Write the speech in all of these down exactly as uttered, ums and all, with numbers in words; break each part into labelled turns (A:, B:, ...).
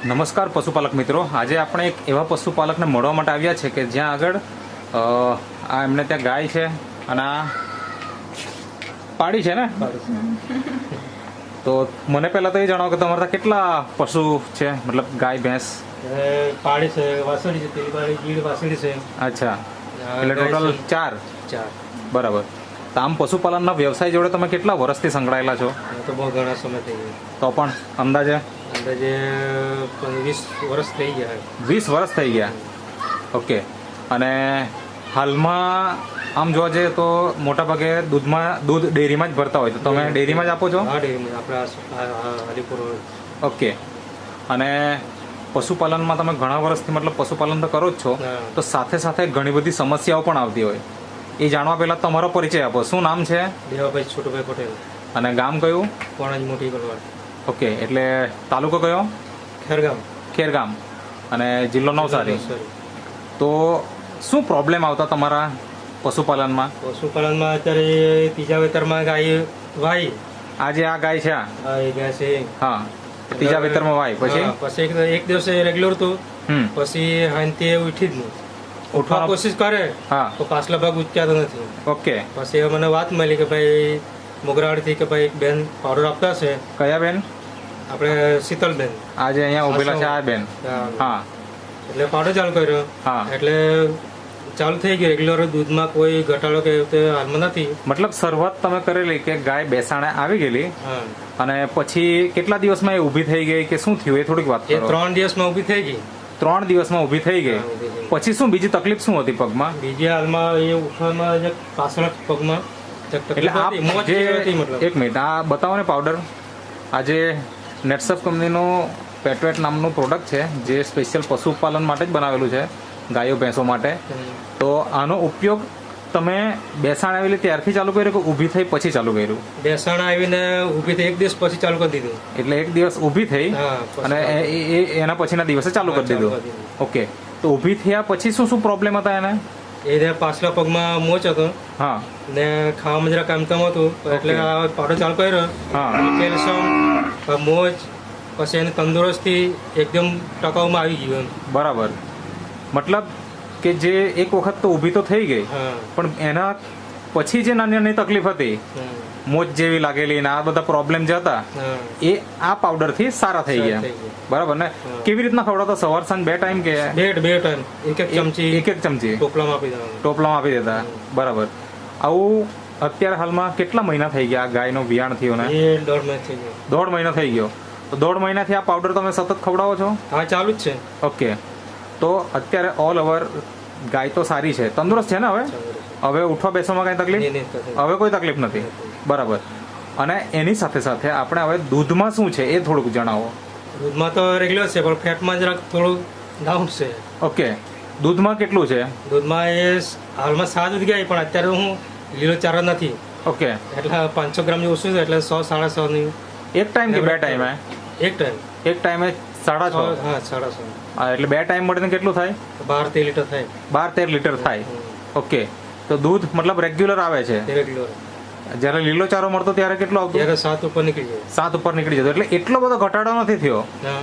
A: નમસ્કાર પશુપાલક મિત્રો, આજે આપણે એક એવા પશુપાલકને મળવા માટે આવ્યા છે કે જ્યાં આગળ આ એમને ત્યાં ગાય છે અને આ પાડી છે ને. તો મને પહેલા તો એ જણાવો કે તમારા ત્યાં કેટલા પશુ છે, મતલબ ગાય ભેંસ?
B: પાડી છે, વાસળી છે, પેલી પાડી ગીડ વાસળી છે.
A: અચ્છા, એટલે ટોટલ ચાર.
B: ચાર
A: બરાબર. તો આમ પશુપાલનના વ્યવસાય જોડે તમે કેટલા વર્ષથી સંકળાયેલા છો?
B: તો બહુ ઘણા સમય થઈ ગયા.
A: તો પણ અંદાજે
B: અંદાજે વીસ વર્ષ થઈ ગયા.
A: વીસ વર્ષ થઈ ગયા. ઓકે. અને હાલમાં આમ જોવા જઈએ તો મોટા ભાગે દૂધમાં દૂધ ડેરીમાં જ ભરતા હોય, તો તમે ડેરીમાં જ આપો છો?
B: હા, ડેરીમાં આપણા હરિપુર.
A: ઓકે. અને પશુપાલનમાં તમે ઘણા વર્ષથી મતલબ પશુપાલન તો કરો જ છો, તો સાથે સાથે ઘણી બધી સમસ્યાઓ પણ આવતી હોય. એ જાણવા પહેલા તમારો પરિચય આપો. શું નામ છે?
B: દેવાભાઈ છોટુભાઈ પટેલ.
A: અને ગામ કયું?
B: કોણજ મોટી ગલવાડ.
A: ઓકે, એટલે તાલુકો કયો?
B: ખેરગામ.
A: ખેરગામ. અને જિલ્લો નવસારી. તો શું પ્રોબ્લેમ આવતા તમારા પશુપાલનમાં?
B: પશુપાલનમાં અત્યારે ત્રીજા વેતરમાં ગાય વાય.
A: આજે આ ગાય છે,
B: હા એ ગાય છે.
A: હા, ત્રીજા વેતરમાં વાય. પછી
B: પછી એક દિવસે રેગ્યુલર હતું,
A: હમ
B: પછી હાંતિ ઉઠી જ નહીં. ઉઠવા કોશિશ કરે
A: હા
B: તો પાછલા ભાગ ઉચક્યાતો નથી.
A: ઓકે.
B: પછી મને વાત મળી કે ભાઈ મોગરાવાડીથી કે ભાઈ બેન પાવડર આપતા છે.
A: કયા બેન?
B: આપણે શીતલબેન.
A: આજે અહીંયા ઉભેલા છે આ બેન. હા.
B: એટલે પાવડર ચાલુ કર્યો.
A: હા.
B: એટલે ચાલુ થઈ ગયું રેગ્યુલર. દૂધમાં કોઈ ઘટાડો કે હાલમાં નથી.
A: મતલબ શરૂઆત તમે કરેલી કે ગાય બેસાણે આવી ગયેલી,
B: હા,
A: અને પછી કેટલા દિવસમાં એ ઊભી થઈ ગઈ કે શું થયું એ થોડીક વાત
B: એ
A: કરો.
B: ત્રણ દિવસમાં ઊભી થઈ ગઈ.
A: ત્રણ દિવસમાં ઊભી થઈ ગઈ. પછી શું બીજી તકલીફ શું હતી પગમાં?
B: બીજી હાલમાં એ ઉઠવામાં પાછળ પગમાં
A: એટલે આપ જે એક મિનિટ આ બતાવો ને પાવડર. આજે નેટસફ કંપનીનું પેટવેટ નામનું પ્રોડક્ટ છે જે સ્પેશિયલ પશુપાલન માટે જ બનાવેલું છે, ગાયો ભેંસો માટે. તો આનો ઉપયોગ તમે બેસાણ આવેલી ત્યારથી ચાલુ કર્યું કે ઊભી થઈ પછી ચાલુ કર્યું?
B: બેસાણ આવીને ઊભી થઈ એક દિવસ પછી ચાલુ કરી દીધું.
A: એટલે એક દિવસ ઊભી થઈ અને એના પછીના દિવસે ચાલુ કરી દીધું. ઓકે. તો ઊભી થયા પછી શું શું પ્રોબ્લેમ હતા એને?
B: એ પાછલા પગમાં મોચ હતો. હા. ને ખાવામાં જરા કામ કામ હતું, એટલે પાવડર ચાલુ કર્યો. હા. કેલ્શિયમ, મોચ, પછી એની તંદુરસ્તી એકદમ ટકાઉમાં આવી ગયું.
A: બરાબર. મતલબ કે જે એક વખત તો ઊભી તો થઈ ગઈ, પણ એના પછી જે નાની નાની તકલીફ હતી, મોચ જેવી લાગેલી ને આ બધા પ્રોબ્લેમ જે હતા એ આ પાવડર થી સારા થઈ ગયા. બરાબર ને? કેવી રીતના ખવડાવતા? સવાર સાંજ બે ટાઈમ કે
B: બે બે ટાઈમ? એક એક ચમચી.
A: એક એક ચમચી
B: ટોપલામાં આપી દેતા.
A: ટોપલામાં આપી દેતા. બરાબર. આવું અત્યારે હાલમાં કેટલા મહિના થઈ ગયા ગાયનો વિયાણ થયો ને?
B: એ દોઢ મહિના થઈ ગયો.
A: દોઢ મહિનો થઈ ગયો. તો દોઢ મહિનાથી આ પાવડર તમે સતત ખવડાવો છો?
B: હા, ચાલુ જ છે.
A: ઓકે. તો અત્યારે ઓલ ઓવર ગાય તો સારી છે, તંદુરસ્ત છે ને? હવે હવે ઉઠવા બેસવામાં કઈ તકલીફ? હવે કોઈ તકલીફ નથી. બરાબર. અને એની સાથે સાથે આપણે હવે દૂધમાં શું છે એ થોડુંક જણાવો.
B: દૂધમાં તો રેગ્યુલર છે, પણ ફેટમાં જરાક થોડું ડાઉન છે.
A: ઓકે. દૂધમાં કેટલું છે?
B: દૂધમાં એ હાલમાં સાત દૂધ ગયા, પણ અત્યારે હું લીલો ચારો નથી.
A: ઓકે.
B: એટલે પાંચસો ગ્રામ જેવું ઓછું છે, એટલે સો સાડા સો ની.
A: એક ટાઈમ કે બે ટાઈમે?
B: એક ટાઈમ.
A: એક ટાઈમે સાડા છ?
B: હા, સાડા સો.
A: હા, એટલે બે ટાઈમ મળીને કેટલું થાય?
B: બાર તેર લીટર થાય.
A: બાર તેર લીટર થાય. ઓકે. તો દૂધ મતલબ રેગ્યુલર આવે છે?
B: રેગ્યુલર.
A: જયારે લીલો ચારો મળતો ત્યારે કેટલો આવતો?
B: ત્યારે સાત ઉપર નીકળી જાય.
A: સાત ઉપર નીકળી જતો. એટલે એટલો બધો ઘટાડો નથી થયો.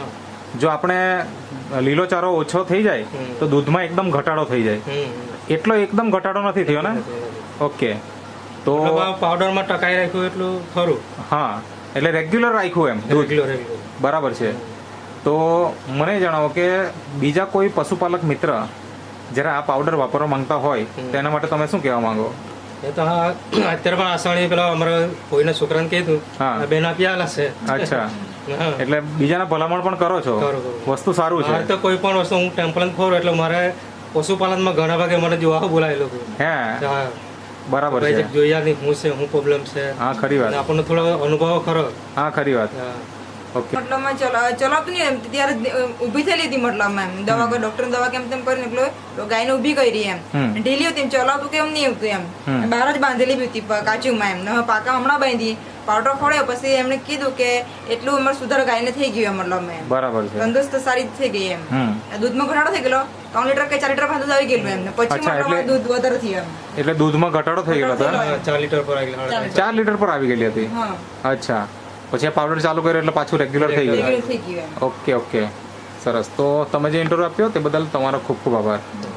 A: જો આપણે લીલો ચારો ઓછો થઈ જાય તો દૂધમાં એકદમ ઘટાડો થઈ જાય. એટલો એકદમ ઘટાડો નથી થયો ને? ઓકે. તો
B: પાવડરમાં ટકાઈ રાખ્યું એટલું ખરું.
A: હા, એટલે રેગ્યુલર રાખ્યું એમ દૂધ. બરાબર છે. તો મને જણાવો કે બીજા કોઈ પશુપાલક મિત્ર જયારે આ પાવડર વાપરવા માંગતા હોય તો એના માટે તમે શું કહેવા માંગો?
B: એ તો હા, અત્યારે પણ આસાણી પેલા અમારા કોઈના છોકરાને કીધું, હા, બેન આપી આલા છે.
A: અચ્છા. એટલે બીજાને ભલામણ પણ કરો છો? વસ્તુ સારું છે.
B: તો કોઈ પણ વસ્તુ હું ટેમ્પલ ખોરું એટલે મારે પશુપાલનમાં ઘણા ભાગે મને જોવા બોલાયેલો. હે?
A: બરાબર છે.
B: જોયા નહીં હું છે, હું પ્રોબ્લેમ છે.
A: હા, ખરી વાત.
B: આપણને થોડો અનુભવ ખરો.
A: હા, ખરી વાત.
C: મતલબમાં ચલાવતું નહીં એમ ત્યારે ઉભી થયેલી હતી. મતલબમાં એમ દવા ડોક્ટર દવા કેમ તેમ કરીને એટલે ગાયને ઉભી કરી એમ ઢીલી હતી. એમ ચલાવતું કેમ નહીં આવતું એમ. બહાર જ બાંધેલી હતી કાચુમાં એમ. હવે પાકા હમણાં બાંધી પાવડર ખોડ્યો પછી એમને કીધું કે એટલું અમારે સુધાર ગાયને થઈ ગયું. મતલબ એમ બરાબર છે. તંદુરસ્ત સારી થઈ ગઈ એમ. દૂધમાં ઘટાડો થઈ ગયેલો. ત્રણ લીટર કે ચાર લીટર દૂધ આવી ગયેલું એમને. પછી દૂધ વધારે થયું એમ.
A: એટલે દૂધમાં ઘટાડો થઈ ગયેલો હતો?
B: ચાર લીટર પર આવી
A: ચાર લીટર પર આવી ગયેલી હતી. અચ્છા. પછી આ પાવડર ચાલુ કર્યો એટલે પાછું રેગ્યુલર થઈ ગયું? Okay okay. સરસ. તો તમે જે ઇન્ટરવ્યુ આપ્યો તે બદલ તમારો ખૂબ ખૂબ આભાર.